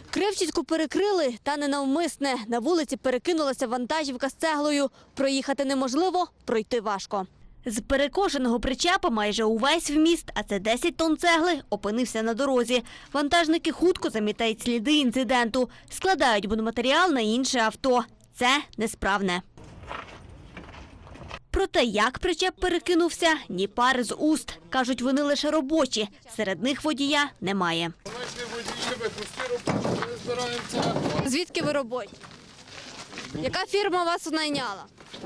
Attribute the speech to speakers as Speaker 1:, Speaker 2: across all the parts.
Speaker 1: Кривчицьку перекрили, та не навмисне. На вулиці перекинулася вантажівка з цеглою. Проїхати неможливо, пройти важко. З перекошеного причепа майже увесь вміст, а це 10 тонн цегли, опинився на дорозі. Вантажники хутко замітають сліди інциденту, складають будматеріал на інше авто. Це несправне. Про те, як причеп перекинувся, ні пари з уст. Кажуть, вони лише робочі. Серед них водія немає. Звідки ви робочі? Яка фірма вас найняла?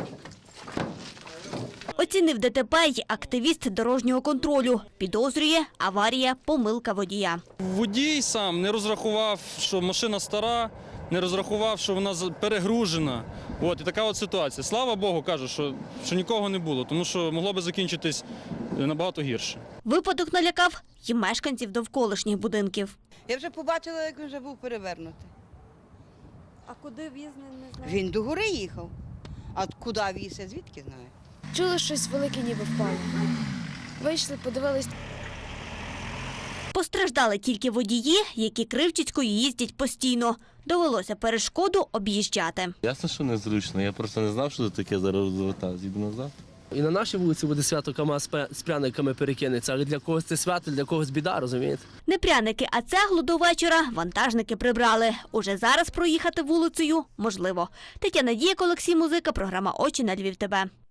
Speaker 1: Оцінив ДТП й активіст дорожнього контролю. Підозрює – аварія, помилка водія.
Speaker 2: Водій сам не розрахував, що машина стара, не розрахував, що вона перегружена. І така от ситуація. Слава Богу, кажу, що нікого не було, тому що могло би закінчитись набагато гірше.
Speaker 1: Випадок налякав і мешканців довколишніх будинків.
Speaker 3: Я вже побачила, як він вже був перевернутий.
Speaker 1: А куди віз, не знаю?
Speaker 3: Він до гори їхав. А куди віз, я звідки знаю?
Speaker 4: Чули, щось велике ніби впало. Вийшли, подивились.
Speaker 1: Постраждали тільки водії, які Кривчицькою їздять постійно. Довелося перешкоду об'їжджати.
Speaker 5: Ясно, що незручно. Я просто не знав, що це таке зараз розвертав. Їду назад.
Speaker 6: І на нашій вулиці буде свято КАМАЗ з пряниками перекинеться, але для когось це свято, для когось біда, розумієте?
Speaker 1: Не пряники, а цеглу до вечора вантажники прибрали. Уже зараз проїхати вулицею можливо. Тетяна Дієк, Олексій Музика, програма «Очі на Львів ТВ».